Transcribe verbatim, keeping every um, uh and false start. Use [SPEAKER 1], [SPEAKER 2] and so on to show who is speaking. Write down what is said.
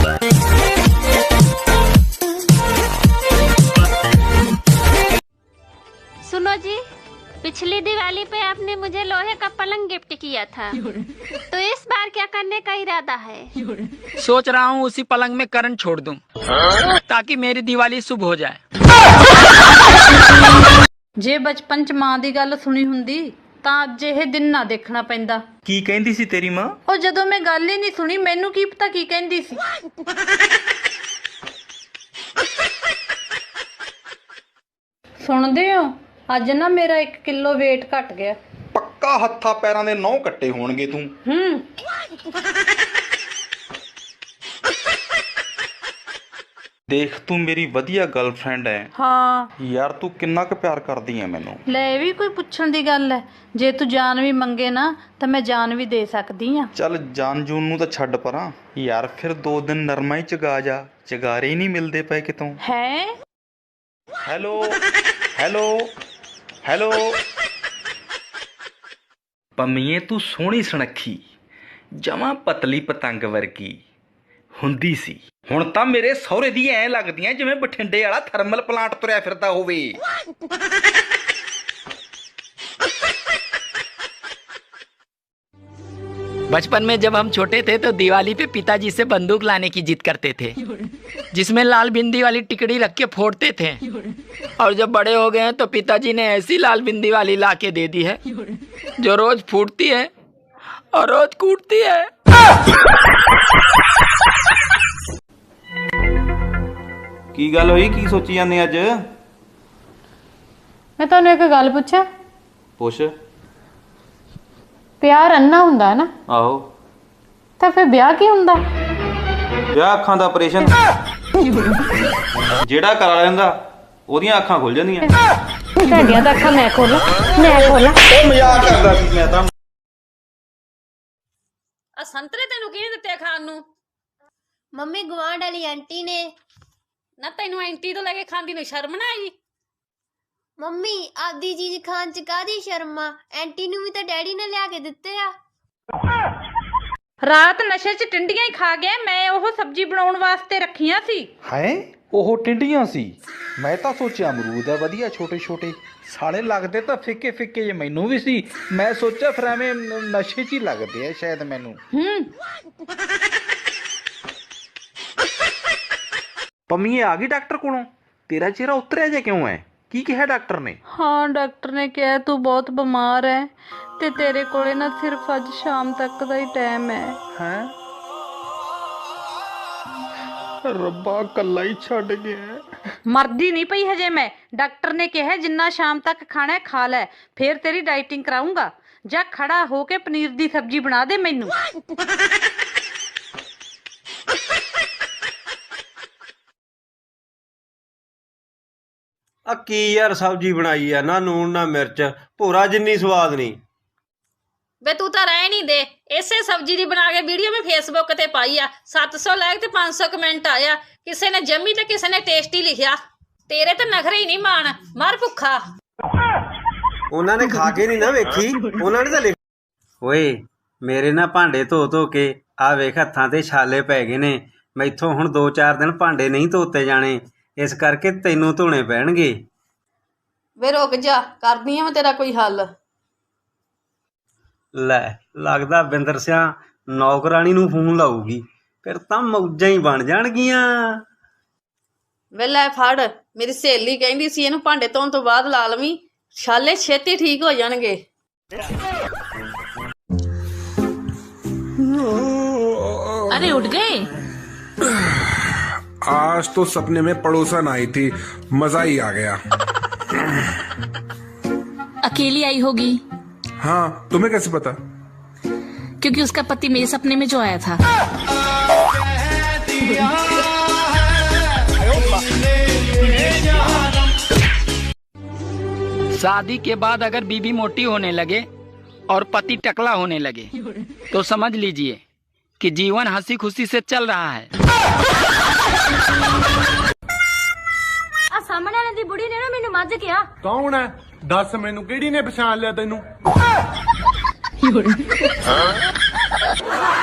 [SPEAKER 1] सुनो जी, पिछली दिवाली पे आपने मुझे लोहे का पलंग गिफ्ट किया था, तो इस बार क्या करने का इरादा है?
[SPEAKER 2] सोच रहा हूँ उसी पलंग में करंट छोड़ दूं, ताकि मेरी दिवाली शुभ हो जाए।
[SPEAKER 3] जे बचपन च मां दी गल सुनी हुंदी तां अज इह दिन ना देखना पैंदा।
[SPEAKER 4] की कहंदी सी तेरी मां?
[SPEAKER 3] ओ जदों मैं गल ही नहीं सुनी मैनू की पता की कहंदी सी। सुनदे हो अज ना मेरा एक किलो वेट घट गया।
[SPEAKER 4] पक्का हत्था पैरां दे नौ कट्टे होणगे तू।
[SPEAKER 3] हम्म
[SPEAKER 4] देख तू मेरी वधिया गर्लफ्रेंड है।
[SPEAKER 3] हाँ
[SPEAKER 4] यार तू किन्ना क प्यार करदी है मैनू।
[SPEAKER 3] ले भी कोई पुछण दी गल है, जे तू जान भी मंगे ना तो मैं जान भी दे सकदी हां।
[SPEAKER 4] चल जान जून नू तां छड्ड परां यार, फिर दो दिन नरमा ही चगा जा, चगारे ही नहीं मिलदे पए कितों।
[SPEAKER 3] है
[SPEAKER 4] हेलो हेलो हेलो पम्मीए तू सोहणी सुनक्खी जमा पतली पतंग वर्गी हुंदी सी, हुण तां मेरे सहुरे दी ऐ लगदियां जिवें बठिंडे वाला थर्मल प्लांट तुरिया फिरदा होवे।
[SPEAKER 2] बचपन में जब हम छोटे थे तो दिवाली पे पिताजी से बंदूक लाने की जिद करते थे, जिसमें लाल बिंदी वाली टिकड़ी रख के फोड़ते थे। और जब बड़े हो गए हैं तो पिताजी ने ऐसी लाल बिंदी वाली ला के दे दी है जो रोज फूटती है और रोज कूटती है।
[SPEAKER 4] की गल होई, की सोची जाने अज?
[SPEAKER 3] मैं तुहानू एक गल पुछां?
[SPEAKER 4] पुछ।
[SPEAKER 3] प्यार अन्ना हुंदा है ना,
[SPEAKER 4] आहो
[SPEAKER 3] तो फिर ब्याह की हुंदा?
[SPEAKER 4] ब्याह अखां दा ऑपरेशन जेड़ा करा लैंदा ओदियां अखां खुल जांदियां।
[SPEAKER 3] तुहाडियां तां अखां मैं खोलां मैं खोलां।
[SPEAKER 4] ओ मजाक करदा सी मैं तां।
[SPEAKER 5] आ संतरे तेनू किहने दित्ते खाण नू?
[SPEAKER 6] मम्मी गवांढ वाली आंटी ने।
[SPEAKER 5] ना तेनू एंटी तो लगे खांदी नू शर्म ना आई?
[SPEAKER 6] मम्मी आदि चीज खान च कादी शर्म आ, एंटी नू भी तो डैडी ने लिया के दित्ते आ।
[SPEAKER 3] रात नशे च टिंडियां ही खा गया, मैं ओह सब्जी बनाउण वास्ते रखियां सी।
[SPEAKER 4] है ओह टिंडियां सी? मैं तां सोचिया अमरूद है वधिया छोटे छोटे साले लगदे तां फिक्के फिक्के जे मैनू भी सी। मैं सोचा फिर एवें नशे च ही लगदे आ शायद मैनू।
[SPEAKER 3] हम्म
[SPEAKER 4] पम्मीए आ गई डॉक्टर कोलों? तेरा चेहरा उतरिया जे क्यों है? की कहा डॉक्टर ने?
[SPEAKER 3] हाँ डॉक्टर ने कहा तू बहुत बीमार है ते तेरे कोले ना सिर्फ अज शाम तक दा ही टाइम है।
[SPEAKER 4] हैं रब्बा कल्ला ही छड़ गया।
[SPEAKER 3] मरदी नहीं पई हजे मैं। डॉक्टर ने कहा जिन्ना शाम तक खाना है खा लै, फिर तेरी डाइटिंग कराऊंगा। जा खड़ा होके पनीर दी सब्जी बना दे मैनू।
[SPEAKER 7] आ की यार सब्जी बनाई है, ना नून ना मिर्च, भोरा जिन्नी स्वाद नहीं।
[SPEAKER 5] वे तू तो रह नहीं दे, इसे सब्जी दी बना के वीडियो में फेसबुक ते पाई आ, सत्त सौ लाइक ते पांच सौ कमेंट आया। किसी ने जम्मी ते किसी ने टेस्टी लिखिया। तेरे तो नखरे ही नहीं मान, मर भुखा।
[SPEAKER 7] उन्होंने खा के नहीं ना वेखी, उन्होंने तो लिख। ओए मेरे ना भांडे धो धो के आ वेख हत्थां ते छाले पै गए ने। मैथों हुण दो चार दिन भांडे नहीं धोते जाने, इस करके तैनू धोने पैणगे।
[SPEAKER 5] वे रुक जा, करदी आ मैं तेरा कोई हल।
[SPEAKER 7] लै लगदा बिंदर सिंह नौकरानी नू फोन लाऊगी, फिर तां मौजां ही बन जाणगियां।
[SPEAKER 5] वे लै फड़, मेरी सहेली कहंदी सी इहनू भांडे धोण तो बाद ला लवीं, छाले छेती ठीक हो जाणगे।
[SPEAKER 8] अरे उठ गए?
[SPEAKER 9] आज तो सपने में पड़ोसन आई थी, मजा ही आ गया।
[SPEAKER 8] अकेली आई होगी?
[SPEAKER 9] हाँ, तुम्हें कैसे पता?
[SPEAKER 8] क्योंकि उसका पति मेरे सपने में जो आया था।
[SPEAKER 2] शादी के बाद अगर बीवी मोटी होने लगे और पति टकला होने लगे तो समझ लीजिए कि जीवन हंसी खुशी से चल रहा है।
[SPEAKER 6] आ सामने वाली दी बुढ़ी ने ना मैनू मज किया।
[SPEAKER 9] कौन है? दस मैनू केड़ी ने पछाण लिया तेनू?